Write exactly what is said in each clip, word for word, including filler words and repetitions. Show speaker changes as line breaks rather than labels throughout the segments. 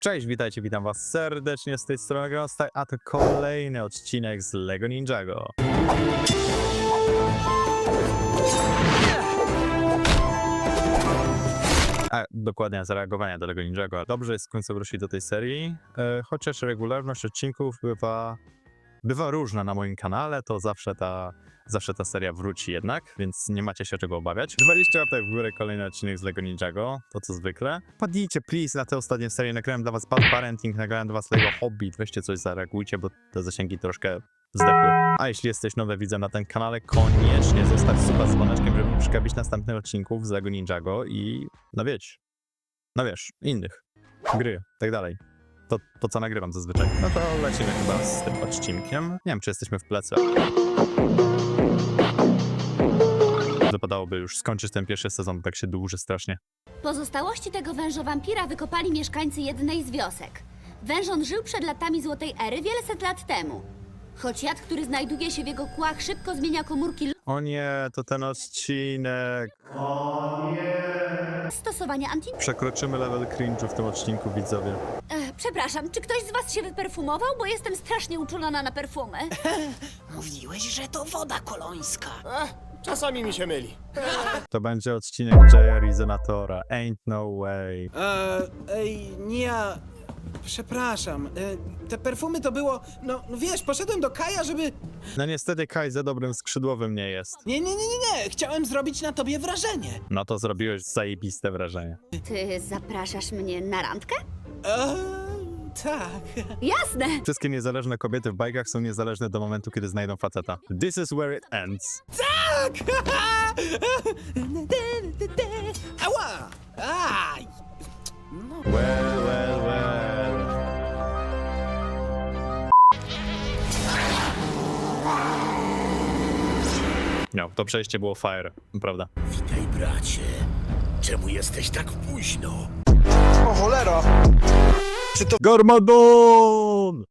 Cześć, witajcie, witam was serdecznie z tej strony Grostak, a to kolejny odcinek z Lego Ninjago. A dokładnie zareagowania do Lego Ninjago. Dobrze jest w końcu wrócić do tej serii, e, chociaż regularność odcinków bywa, bywa różna na moim kanale, to zawsze ta, zawsze ta seria wróci jednak, więc nie macie się czego obawiać. dwadzieścia łapek w górę, kolejny odcinek z Lego Ninjago, to co zwykle. Padnijcie please na te ostatnie serie, nagrałem dla was Bad Parenting, nagrałem dla was Lego Hobbit, weźcie coś, zareagujcie, bo te zasięgi troszkę zdechły. A jeśli jesteś nowy widzem na tym kanale, koniecznie zostaw suba z dzwoneczkiem, żeby przegapić następnych odcinków z Lego Ninjago i no wiecie, no wiesz, innych, gry, tak dalej. To, to co nagrywam zazwyczaj. No to lecimy chyba z tym odcinkiem. Nie wiem, czy jesteśmy w plecy. Wypadałoby już skończyć ten pierwszy sezon, tak się dłuży strasznie.
Pozostałości tego wężowampira wykopali mieszkańcy jednej z wiosek. Wężon żył przed latami Złotej Ery wieleset lat temu. Choć jad, który znajduje się w jego kłach, szybko zmienia komórki
O nie, to ten odcinek. O nie.
stosowania anti...
Przekroczymy level cringe'u w tym odcinku, widzowie.
E, przepraszam, czy ktoś z was się wyperfumował? Bo jestem strasznie uczulona na perfumy.
Mówiłeś, że to woda kolońska.
Ech, czasami mi się myli.
To będzie odcinek Jaya Rezonatora. Ain't no way.
Eee, ej, nie ja... Przepraszam, e, te perfumy to było... No, no wiesz, poszedłem do Kaja, żeby...
No niestety Kai za dobrym skrzydłowym nie jest.
Nie, nie, nie, nie, nie, chciałem zrobić na tobie wrażenie.
No to zrobiłeś zajebiste wrażenie.
Ty zapraszasz mnie na randkę?
Eee, tak.
Jasne!
Wszystkie niezależne kobiety w bajkach są niezależne do momentu, kiedy znajdą faceta. This is where it ends.
Tak! Ała! Aj! No.
Well, well, well. No, to przejście było fire, prawda?
Witaj, bracie. Czemu jesteś tak późno?
O cholera!
Garmadon!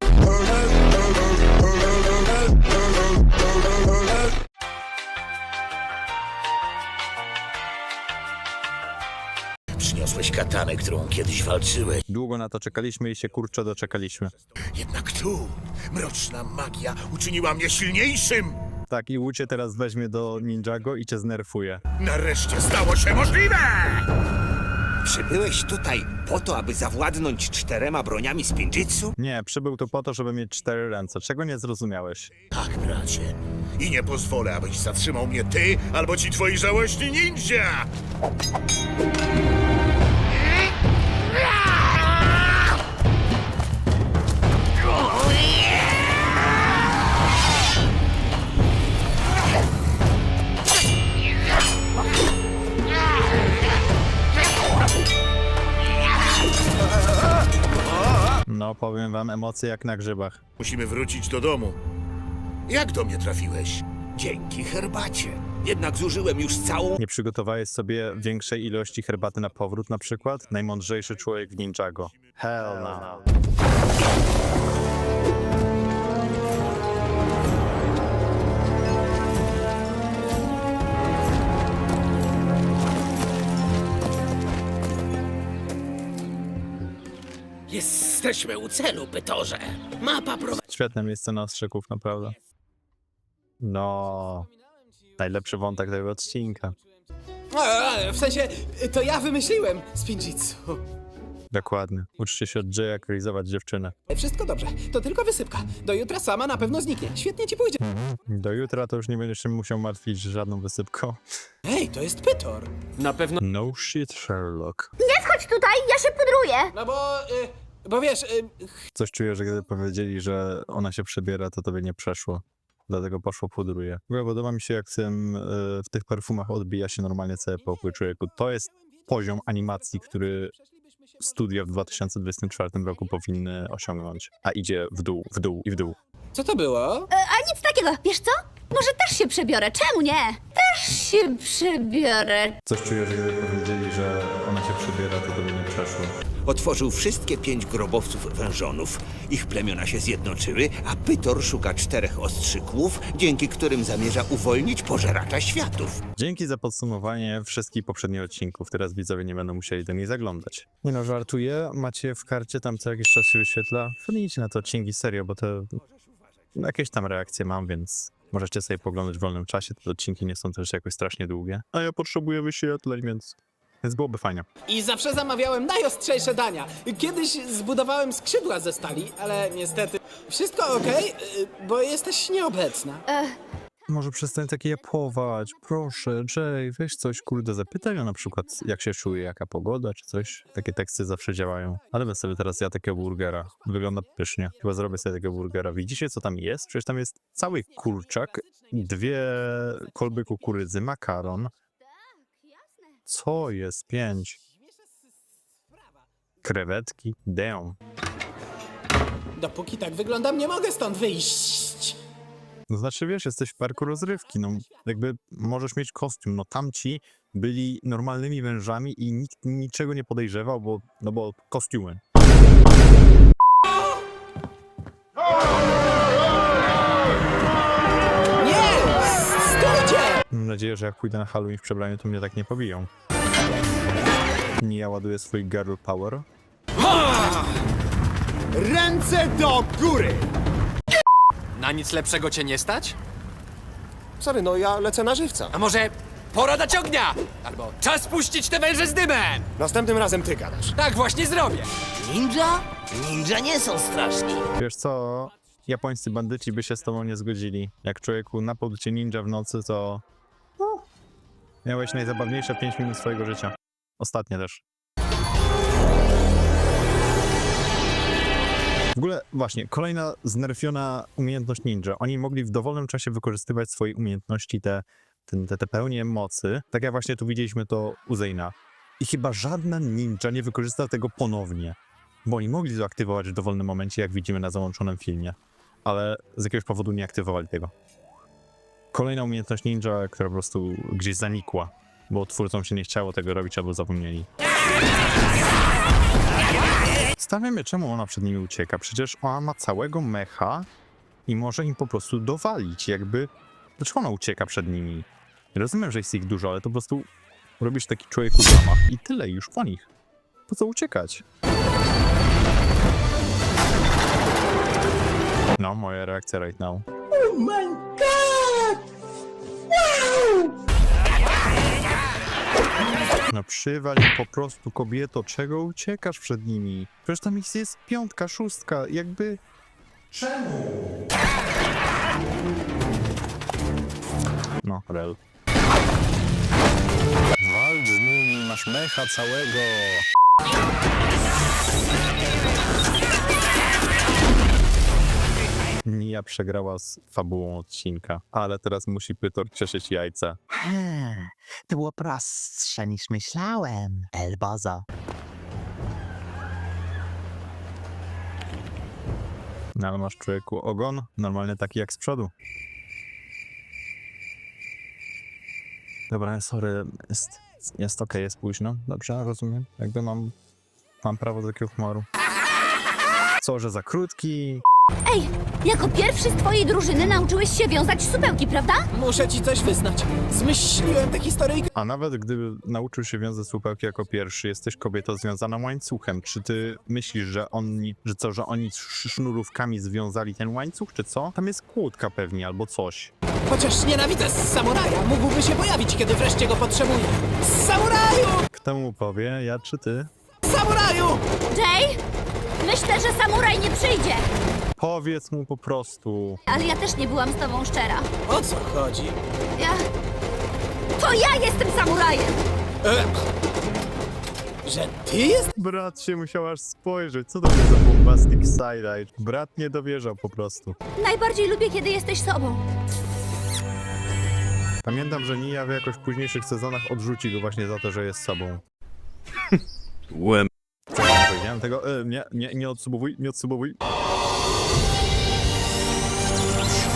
Przyniosłeś katanę, którą kiedyś walczyłeś.
Długo na to czekaliśmy i się kurczę doczekaliśmy.
Jednak tu mroczna magia uczyniła mnie silniejszym.
Tak, i Łucie teraz weźmie do Ninjago i cię znerfuje.
Nareszcie stało się możliwe!
Przybyłeś tutaj po to, aby zawładnąć czterema broniami z Pinjitsu?
Nie, przybył tu po to, żeby mieć cztery ręce. Czego nie zrozumiałeś?
Tak, bracie. I nie pozwolę, abyś zatrzymał mnie ty albo ci twoi żałośni ninja!
No, powiem wam, emocje jak na grzybach.
Musimy wrócić do domu. Jak do mnie trafiłeś?
Dzięki herbacie. Jednak zużyłem już całą...
Nie przygotowałeś sobie większej ilości herbaty na powrót na przykład? Najmądrzejszy człowiek w Ninjago. Hell no.
Jesteśmy u celu, Pytorze. Mapa prowadzi...
Świetne miejsce na ostrzyków, naprawdę. No, najlepszy wątek tego odcinka.
W sensie, to ja wymyśliłem z Pinjitsu.
Dokładnie. Uczcie się od Jaya, jak realizować dziewczynę.
Wszystko dobrze, to tylko wysypka. Do jutra sama na pewno zniknie. Świetnie ci pójdzie.
Do jutra to już nie będziesz się musiał martwić żadną wysypką.
Ej, to jest Pytor. Na pewno...
No shit, Sherlock.
Nie wchodź tutaj, ja się pudruję!
No bo... Y, bo wiesz... Y,
Coś czuję, że gdy powiedzieli, że ona się przebiera, to tobie nie przeszło. Dlatego poszło pudruje. W ogóle podoba mi się, jak w, tym, y, w tych perfumach odbija się normalnie cały pokój człowieku. To jest poziom animacji, który studia w dwa tysiące dwudziestym czwartym roku powinny osiągnąć. A idzie w dół, w dół i w dół.
co to było?
E, a nic takiego, wiesz co? Może też się przebiorę, czemu nie? Też się przebiorę.
Coś czuję, że gdy powiedzieli, że ona się przebiera, to tobie nie przeszło.
otworzył wszystkie pięć grobowców wężonów. Ich plemiona się zjednoczyły, a Pytor szuka czterech ostrzyków, dzięki którym zamierza uwolnić pożeracza światów.
Dzięki za podsumowanie wszystkich poprzednich odcinków. Teraz widzowie nie będą musieli do nich zaglądać. Nie no, żartuję. Macie w karcie, tam co jakiś czas się wyświetla. Wpadnijcie na te odcinki serio, bo te jakieś tam reakcje mam, więc możecie sobie poglądać w wolnym czasie. Te odcinki nie są też jakoś strasznie długie. A ja potrzebuję wyświetleń, więc... Więc byłoby fajnie.
I zawsze zamawiałem najostrzejsze dania. Kiedyś zbudowałem skrzydła ze stali, ale niestety... Wszystko okej, y, bo jesteś nieobecna.
Może przestań takie japłować, proszę, Jay, weź coś, kurde, zapytaj ją na przykład, jak się czuje, jaka pogoda, czy coś. Takie teksty zawsze działają. Ale bym sobie teraz ja takiego burgera. Wygląda pysznie. Chyba zrobię sobie takiego burgera. Widzicie, co tam jest? Przecież tam jest cały kurczak, dwie kolby kukurydzy, makaron. Co jest? Pięć. Krewetki. Damn.
Dopóki tak wyglądam, nie mogę stąd wyjść.
No znaczy, wiesz, jesteś w parku rozrywki, no jakby możesz mieć kostium, no tamci byli normalnymi wężami i nikt niczego nie podejrzewał, bo, no bo kostiumy.
Nie! Stójcie!
Mam nadzieję, że jak pójdę na Halloween w przebraniu, to mnie tak nie pobiją. Nie, ja ładuję swój girl power.
Ręce do góry!
Na nic lepszego cię nie stać?
Sorry, no ja lecę na żywca.
A może pora dać ognia? Albo czas puścić te węże z dymem!
Następnym razem ty gadasz.
Tak właśnie zrobię!
Ninja? Ninja nie są straszni.
Wiesz co? Japońscy bandyci by się z tobą nie zgodzili. Jak człowieku napadł cię ninja w nocy, to... No, miałeś najzabawniejsze pięć minut swojego życia. Ostatnie też. W ogóle, właśnie, kolejna znerfiona umiejętność ninja. Oni mogli w dowolnym czasie wykorzystywać swoje umiejętności, te, te, te, te pełnie mocy. Tak jak właśnie tu widzieliśmy to u Zayna. I chyba żadna ninja nie wykorzysta tego ponownie. Bo oni mogli to aktywować w dowolnym momencie, jak widzimy na załączonym filmie. Ale z jakiegoś powodu nie aktywowali tego. Kolejna umiejętność ninja, która po prostu gdzieś zanikła. Bo twórcom się nie chciało tego robić, albo zapomnieli. Stawiamy, czemu ona przed nimi ucieka. Przecież ona ma całego mecha i może im po prostu dowalić, jakby... Dlaczego ona ucieka przed nimi? Rozumiem, że jest ich dużo, ale to po prostu robisz taki człowieku zamach i tyle, już po nich. Po co uciekać? No, moja reakcja right now. No przywal im po prostu, kobieto, czego uciekasz przed nimi? Przecież tam ich jest piątka, szóstka, jakby... Czemu? No, rel. Waldu, Mumi, masz mecha całego. Nia przegrała z fabułą odcinka, ale teraz musi Pytor cieszyć jajca.
Hmm, to było prostsze niż myślałem. Elbaza.
No ale masz, człowieku, ogon normalnie taki jak z przodu. Dobra, sorry, jest, jest okej, jest późno. Dobrze, rozumiem. Jakby mam, mam prawo do takiego humoru. Co, że za krótki?
Ej, jako pierwszy z twojej drużyny nauczyłeś się wiązać supełki, prawda?
Muszę ci coś wyznać. Zmyśliłem tę historyjkę.
A nawet gdyby nauczył się wiązać słupełki jako pierwszy, jesteś kobietą związana łańcuchem. Czy ty myślisz, że oni, że co, że oni sz- sznurówkami związali ten łańcuch, czy co? Tam jest kłódka pewnie, albo coś.
Chociaż nienawidzę samuraja, mógłby się pojawić, kiedy wreszcie go potrzebuję. Samuraju!
Kto mu powie, ja czy ty?
Samuraju!
Jay? Myślę, że samuraj nie przyjdzie.
Powiedz mu po prostu.
Ale ja też nie byłam z tobą szczera.
O co chodzi?
Ja... To ja jestem samurajem!
E... Że ty jest?
Brat się musiał aż spojrzeć. Co to jest za bombastic side-eye? Brat nie dowierzał po prostu.
Najbardziej lubię, kiedy jesteś sobą.
Pamiętam, że Nia w jakoś późniejszych sezonach odrzuci go właśnie za to, że jest sobą.
Łem.
Co ja powiedziałem tego? E, nie, nie, nie odsubowuj, nie odsubowuj.
Co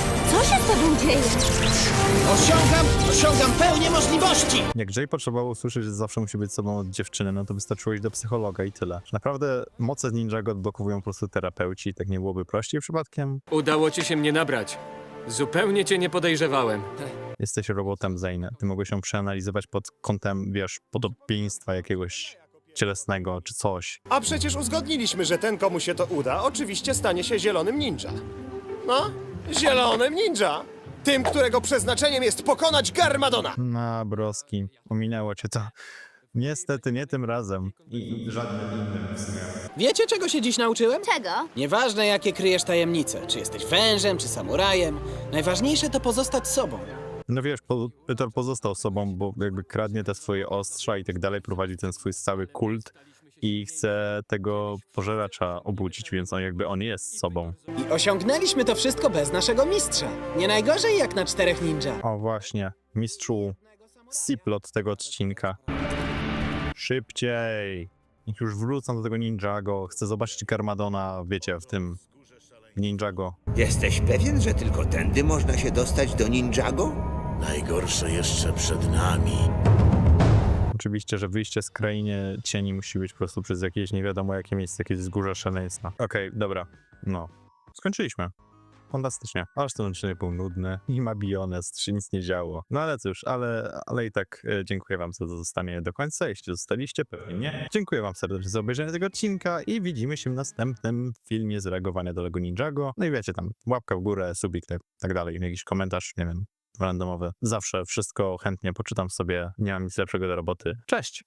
się z tobą dzieje?
Osiągam, osiągam pełnię możliwości!
Jak Jay potrzebował usłyszeć, że zawsze musi być sobą od dziewczyny, no to wystarczyło iść do psychologa i tyle. Naprawdę moce Ninjago odblokowują po prostu terapeuci, tak nie byłoby prościej przypadkiem?
Udało ci się mnie nabrać. Zupełnie cię nie podejrzewałem.
Jesteś robotem, Zane. Ty mogłeś ją przeanalizować pod kątem, wiesz, podobieństwa jakiegoś cielesnego czy coś.
A przecież uzgodniliśmy, że ten, komu się to uda, oczywiście stanie się zielonym ninja. No, zielonym ninja! Tym, którego przeznaczeniem jest pokonać Garmadona!
Na broski, ominęło cię to. Niestety nie tym razem. I żadnym innym w sumie.
Wiecie, czego się dziś nauczyłem?
Czego?
Nieważne, jakie kryjesz tajemnice, czy jesteś wężem, czy samurajem, najważniejsze to pozostać sobą.
No wiesz, po, Peter pozostał sobą, bo jakby kradnie te swoje ostrza i tak dalej, prowadzi ten swój cały kult i chce tego pożeracza obudzić, więc on jakby on jest sobą.
I osiągnęliśmy to wszystko bez naszego mistrza. Nie najgorzej jak na czterech ninja.
O właśnie, mistrzu, C-plot tego odcinka. Szybciej! Niech już wrócą do tego Ninjago, chcę zobaczyć Garmadona, wiecie, w tym Ninjago.
Jesteś pewien, że tylko tędy można się dostać do Ninjago?
Najgorsze jeszcze przed nami.
Oczywiście, że wyjście z krainy cieni musi być po prostu przez jakieś nie wiadomo jakie miejsce, jakieś wzgórze szaleństwa. Okej, dobra, no. Skończyliśmy. Fantastycznie. Aż ten odcinek był nudny i ma bionest, się nic nie działo. No ale cóż, ale, ale i tak e, dziękuję wam za zostanie do końca. Jeśli zostaliście, pewnie nie. Dziękuję wam serdecznie za obejrzenie tego odcinka i widzimy się w następnym filmie z reagowania do Lego Ninjago. No i wiecie tam, łapka w górę, subik, tak, tak dalej, jakiś komentarz, nie wiem, randomowy. Zawsze wszystko chętnie poczytam sobie, nie mam nic lepszego do roboty. Cześć!